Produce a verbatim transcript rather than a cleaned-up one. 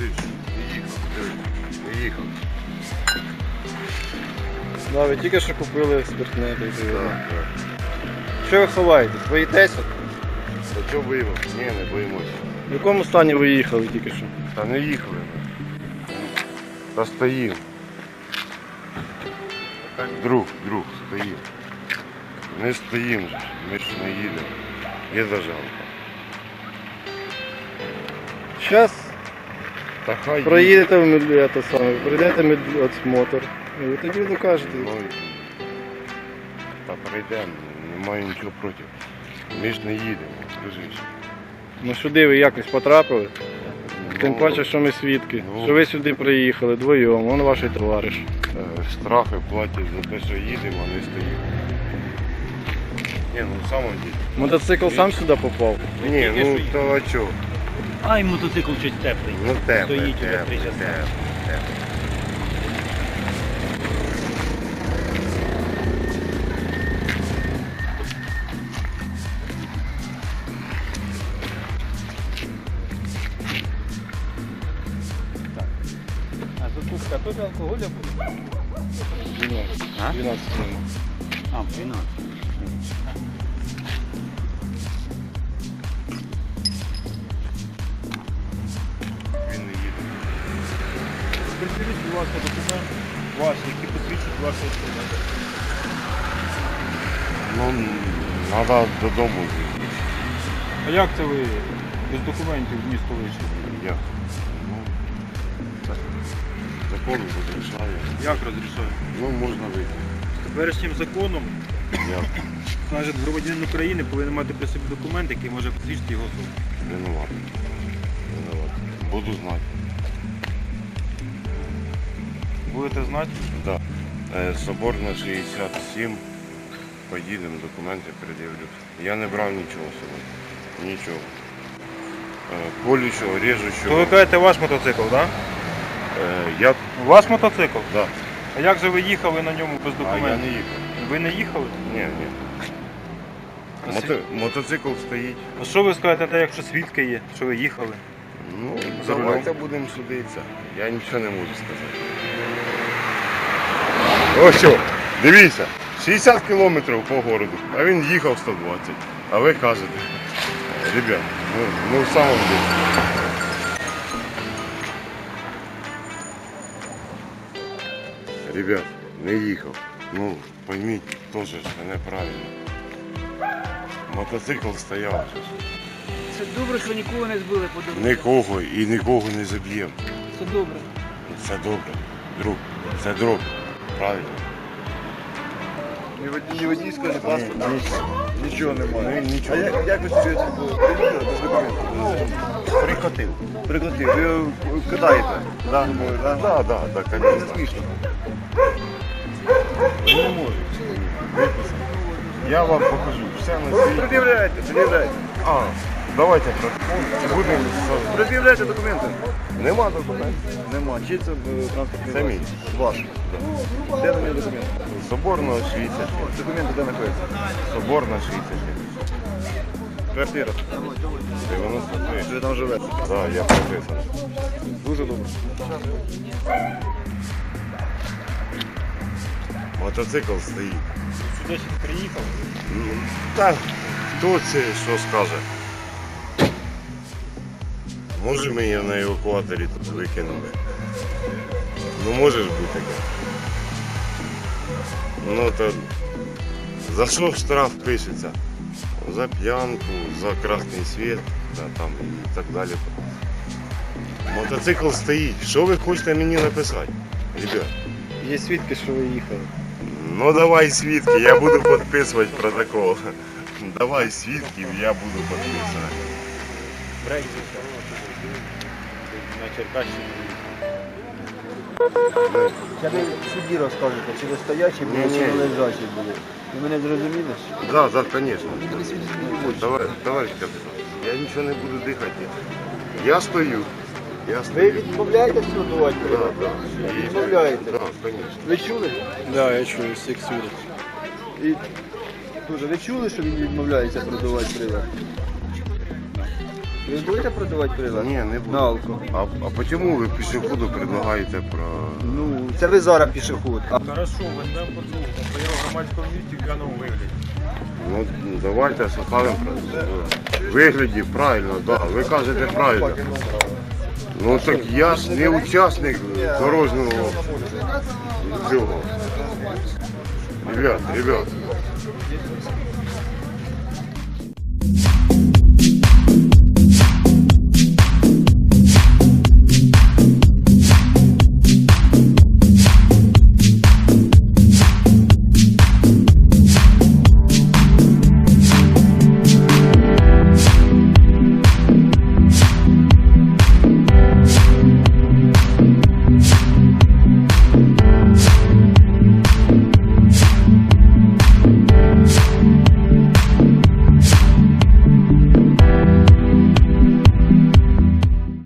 що не їхав, дивись, не їхав. Да, ви тільки що купили спиртне. Так, Так, так. Що ви ховаєтесь? Боїтеся? Та чого боїмося? Ні, не боїмося. В якому стані ви їхали тільки що? Та не їхали ми. Та стоїм. Друг, друг, стоїм. Не стоїм же, ми ж не їдемо. Є зажалка. Зараз Та хай їде. проїдете в медлі, те саме, пройдете медосмотр. І ви тоді докажете. Ну, та прийдемо, немає нічого проти. Ми ж не їдемо, скажи. Ну сюди ви якось потрапили. Тим Ну, паче, що ми свідки. ну. Що ви сюди приїхали вдвоєм, вон ваш товариш. е, штрафи платять за те, що їдемо, а не стоїмо. Ні, ну в самом деле. Мотоцикл сам сюди попав. Ні, ну то а чого? Ай, мотоцикл щось теплий. Ну тепле, Стоїть уже тепле, три часа. тепле, тепле. А закупка тут алкоголя буде? дванадцять. А? дванадцять гривень. А, дванадцять. Він не їде. Приділіть, будь ласка, документ ваш, який посвідчить вашу особу. Ну, треба додому їхати. А як це ви без документів в місто вийшли? Як? Ну, так. Закон розрішає. Як розрішаю? Ну, можна вийти. Теперішнім законом, Як? значить, громадянин України повинен мати при собі документ, який може посвідчити його особу. Винуватий. Винуватий. Буду знати. Будете знати? Да. Е, Соборна шістдесят сім. Поїдемо, документи пред'явлю. Я не брав нічого сьогодні. Нічого. Е, Колючого, То ви режучого. кажете ваш мотоцикл, так? Е, я, Ваш мотоцикл? да. А як же ви їхали на ньому без А я документів? не їхав. Ви не їхали? Ні, ні. Мото, мотоцикл стоїть. А що ви скажете, те, якщо свідки є, що ви їхали? Ну, За рулем. давайте будемо судитися. Я нічого не можу сказати. Ось що, дивіться, шістдесят кілометрів по городу, а він їхав сто двадцять. А ви кажете, ребят, ну, ну в самому деле. Ребят, не їхав. Ну, пойміть, теж ж неправильно. Мотоцикл стояв. же ж. Це добре, що нікого не збили по дорозі. Нікого і нікого не заб'ємо. Це добре. Це добре, друг, це добре, правильно. Ні водій, ні водійського, ні паспорта. Нічого Ну, немає. нічого. А як, як ви собі це було? Приїхали без документів? Ну, прикотив. Приклади, ви його кидаєте? Да. Да. Так, так, так, Це звісно. смішно. Ви не можете виписати. Я вам покажу. Все на світі. Пред'являйте, пред'являйте. А, давайте протокол. Будемо. Пред'являйте документи. Нема документів. Нема. Чи це е, транспортний Це мій. засіб? Ваш. Де на нього документи? Соборного шістдесят. Документи де знаходяться? Соборна шістдесят. Квартира. дев'яносто три. Ви там живете. Так, я прописаний. Дуже добре. Мотоцикл стоїть. Сюди ще приїхав. Ну, так, хто це що скаже? Може ми її на евакуаторі тут викинули? Ну може ж бути таке. Ну то за що штраф пишеться? За п'янку, за красний світ, та, там, і так далі. Мотоцикл стоїть. Що ви хочете мені написати? Ребят, Є свідки, що ви їхали. ну давай свідки, я буду підписувати протокол. Давай свідків, я буду підписувати. Брейки. На Черкащині. Це ви судді розкажете, чи ви стоячі були, Ні, чи ні. ви лежачі були. Ви мене зрозуміли? Да, да, конечно. Давай, товарищ капитан, я ничего не буду дыхать. Я стою. Я Ви стою. відмовляєтесь трудувати Да, прилад? да. И- Відмовляєте? Да, конечно. Ви чули? Да, я чую, всіх свідок. І дуже, ви чули, що він відмовляється продавати прилад? Ви будете продавати прилад? Ні, не На буду. алко. А, а чому ви пішоходу предлагаєте про... Ну, це ви зараз пішоход. А Хорошо, візьмемо подругу, по його громадському місці в п'яному вигляді. Ну, давайте составимо в вигляді, правильно, да. Ви кажете правильно. Ну так я ж не учасник дорожнього цього. Ребят, ребят,